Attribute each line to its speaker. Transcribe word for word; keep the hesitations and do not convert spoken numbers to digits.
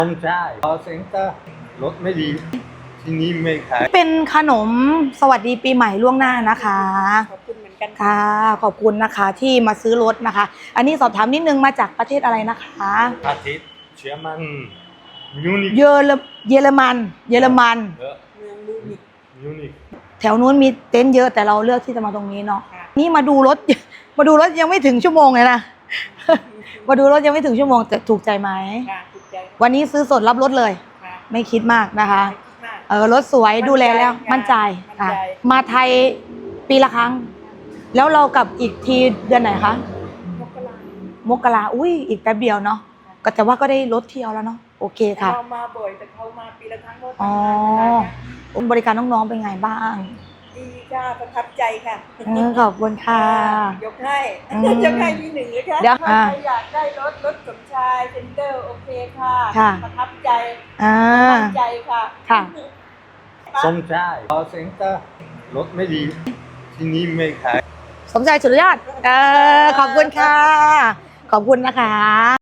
Speaker 1: ผมใช่พอเซ็นเตอร์รถไม่ดีที่นี่ไม่ขาย
Speaker 2: เป็นขนมสวัสดีปีใหม่ล่วงหน้านะคะ
Speaker 3: ขอบคุณเหมือนกัน
Speaker 2: ค่ะขอบคุณนะคะที่มาซื้อรถนะคะ อันนี้สอบถามนิดนึงมาจากประเทศอะไรนะคะ
Speaker 1: อาทิตย์เชื่อมันมิวนิก
Speaker 2: เยอรเยอรมันเยอรมัน
Speaker 1: เยอะ
Speaker 3: เมืองมูนิก
Speaker 1: มิวนิก
Speaker 2: แถวนู้นมีเต็นท์เยอะแต่เราเลือกที่จะมาตรงนี้เนาะ
Speaker 3: ค่ะ
Speaker 2: นี่มาดูรถ มาดูรถยังไม่ถึงชั่วโมงเลยนะ มาดูรถยังไม่ถึงชั่วโมงแต่ถูกใจไหม
Speaker 3: ค่ะถูกใจ
Speaker 2: วันนี้ซื้อสดรับรถเลย
Speaker 3: ค่ะ
Speaker 2: ไม่คิดมากนะคะ
Speaker 3: ไม่คิดมาก
Speaker 2: เออรถสวยดูแลแล้ว
Speaker 3: มั่
Speaker 2: มั่น
Speaker 3: น
Speaker 2: ใจ
Speaker 3: ใจ
Speaker 2: ค่ะ
Speaker 3: มั่นใจ
Speaker 2: มาไทยปีละครั้ง แล้วเรากลับอีกทีเดือนไหนคะ
Speaker 3: มกราม
Speaker 2: กราอุ้ยอีกแป๊บเดียวเนาะก็แต่ว่าก็ได้รถเที่ยวแล้วเนาะโอเคค่ะ
Speaker 3: เรามาบ่อยแต่เขามาปีละครั้งก็
Speaker 2: อ๋อ
Speaker 3: ทำงานนะคะ
Speaker 2: บริการน้องๆเป็นไงบ้าง
Speaker 3: ดีค่ะประทับใจค่ะ
Speaker 2: เออขอบคุณค่ะ
Speaker 3: ยกให้
Speaker 2: อืม
Speaker 3: ยกให้ที่หนึ่งเลยค่ะ
Speaker 2: เดี๋ยว
Speaker 3: ถ้า
Speaker 2: อ่า
Speaker 3: ใครอยากได้รถรถสมชายเซนเตอร์โอเคค่ะ
Speaker 2: ค่ะ
Speaker 3: ประทับใจ
Speaker 2: อ่า
Speaker 3: มั่นใจค่ะ
Speaker 2: ค่ะ
Speaker 1: สมชายพอเซ็นเตอร์รถไม่ดีที่นี่ไม่ขาย
Speaker 2: สมใจสุดยอดเออขอบคุณค่ะ ขอบคุณนะคะ